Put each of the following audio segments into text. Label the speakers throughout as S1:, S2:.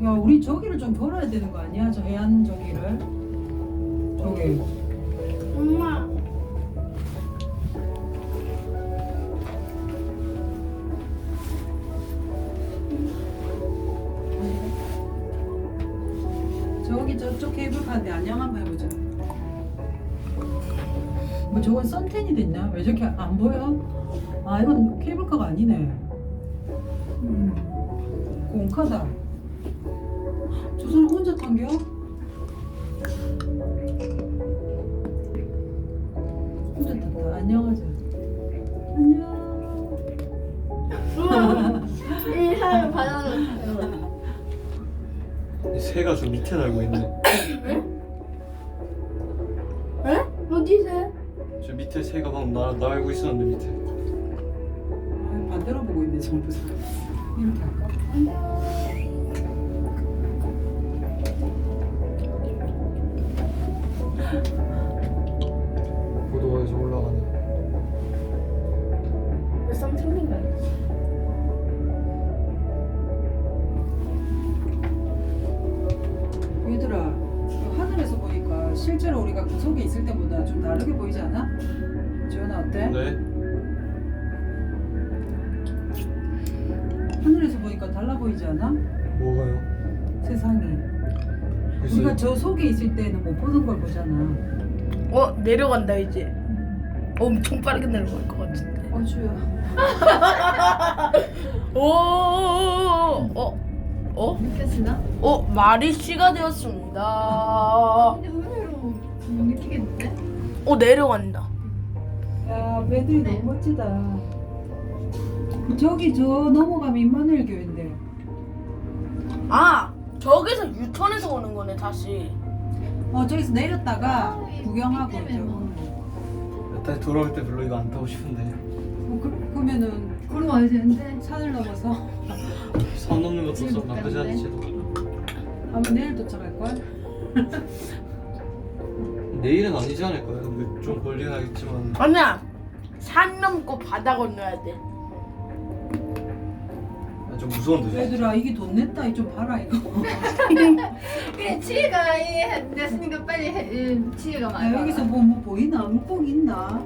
S1: 야, 우리 저기를 좀 걸어야 되는 거 아니야? 저 해안 저기를. 저기.
S2: 엄마.
S1: 저기 저쪽 케이블카인데 안녕 한번 해보자. 뭐 저건 선텐이 됐냐? 왜 저렇게 안 보여? 아 이건 케이블카가 아니네. 공카다. 저 사람 혼자 탄겨? 혼자 탔다. 안녕하자. 안녕.
S2: 이 사람 바나나.
S3: 새가 저 밑에 날고 있네.
S2: 에? 어디서?
S3: 저 밑에 새가 방금 날고 있었는데 밑에.
S1: 아, 반대로 보고 있네 전부 다. 이렇게 할까?
S3: 고도에서 올라가네.
S2: 왜 썸씽인가?
S1: 얘들아, 하늘에서 보니까 실제로 우리가 그 속에 있을 때보다 좀 다르게 보이지 않아? 지원아 어때?
S3: 네.
S1: 하늘에서 보니까 달라 보이지 않아?
S3: 뭐가요?
S1: 세상이. 우리가 저 속에 있을 때는 못 보는 걸 보잖아.
S4: 내려간다 이제. 엄청 빠르게 내려갈 것 같은데.
S1: 주야.
S2: 느꼈으나?
S4: 마리씨가 되었습니다.
S2: 근데 의외로 못 느끼겠는데?
S4: 내려간다.
S1: 야, 배들이 너무 멋지다. 저기 저 넘어가면 임마누엘 교회인데.
S4: 저기서 유턴해서 오는 거네 다시.
S1: 저기서 내렸다가 구경하고
S2: 때문에
S1: 저거.
S2: 뭐.
S3: 다시 돌아올 때 별로 이거 안 타고 싶은데.
S1: 그러면은
S2: 걸어와야 되는데.
S1: 산을 넘어서
S3: 선 넘는 것도
S2: 지금
S3: 좀 나쁘지
S2: 가는데?
S3: 않지.
S1: 아마 내일 도착할 걸.
S3: 내일은 아니지 않을까요? 근데 좀 걸리긴 하겠지만.
S4: 아니야. 산 넘고 바다 건너야 돼.
S3: 좀 무서운데.
S1: 얘들아 이게 돈 냈다. 이 좀 봐라 이거.
S2: 그래 치혜가 됐으니까 빨리 치혜가
S1: 야,
S2: 많아.
S1: 여기서 뭐 보이나? 물고기 있나?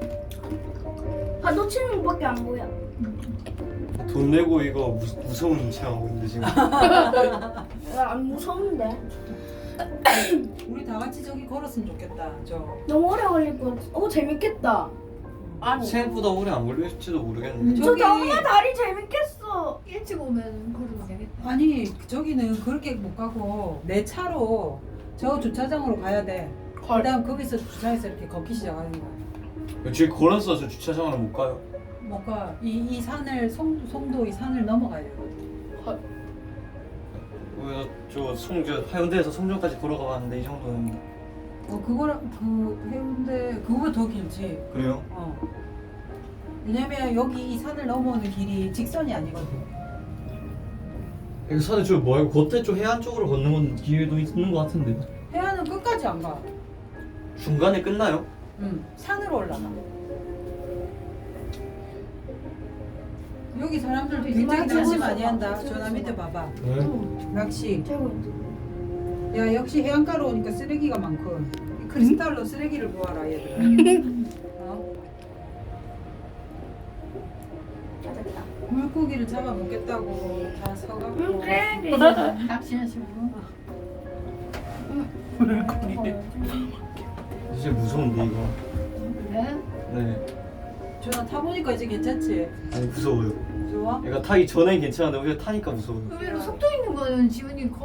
S2: 파도 치는 것밖에 안 보여.
S3: 돈 내고 이거 무서운 체험하고 있는데 지금.
S4: 안 무서운데.
S1: 우리 다 같이 저기 걸었으면 좋겠다.
S2: 너무 오래 걸릴 것 같아. 재밌겠다.
S4: 아니.
S3: 생각보다 오래 안 걸릴지도 모르겠는데.
S1: 저기
S2: 다리 재밌겠어. 일찍 오면 걸으면 되겠다.
S1: 아니 저기는 그렇게 못 가고 내 차로 저 주차장으로 가야 돼. 그다음 거기서 주차해서 이렇게 걷기 시작하는 거야.
S3: 저기 걸어서 저 주차장으로 못 가요.
S1: 뭔가 이 산을 송도 이 산을 넘어가야 되거든.
S3: 저 하현대에서 송정까지 걸어가 봤는데 이 정도는.
S1: 그거랑 그 해운대 그거보다 더 길지.
S3: 그래요?
S1: 왜냐면 여기 이 산을 넘어오는 길이 직선이 아니거든.
S3: 이거 산에 저 뭐야? 겉에 쪽 해안 쪽으로 걷는 건 기회도 있는 것 같은데.
S1: 해안은 끝까지 안 가.
S3: 중간에 끝나요?
S1: 산으로 올라가. 여기 사람들 굉장히 낚시 많이 한다. 저 밑에 봐봐.
S3: 네.
S1: 낚시.
S2: 최고.
S1: 야 역시 해안가로 오니까 쓰레기가 많군. 이 크리스탈로 쓰레기를 모아라 얘들아.
S2: 찾았다.
S1: 물고기를 잡아 먹겠다고 다 서갖고.
S2: 낚시하시고.
S3: 진짜 무서운데 이거.
S2: 그래?
S3: 네.
S1: 전화 타보니까 이제 괜찮지?
S3: 아니 무서워요.
S1: 좋아?
S3: 얘가 타기 전엔 괜찮은데 오히려 타니까 무서워요.
S2: 의외로 속도 있는 거는 지훈이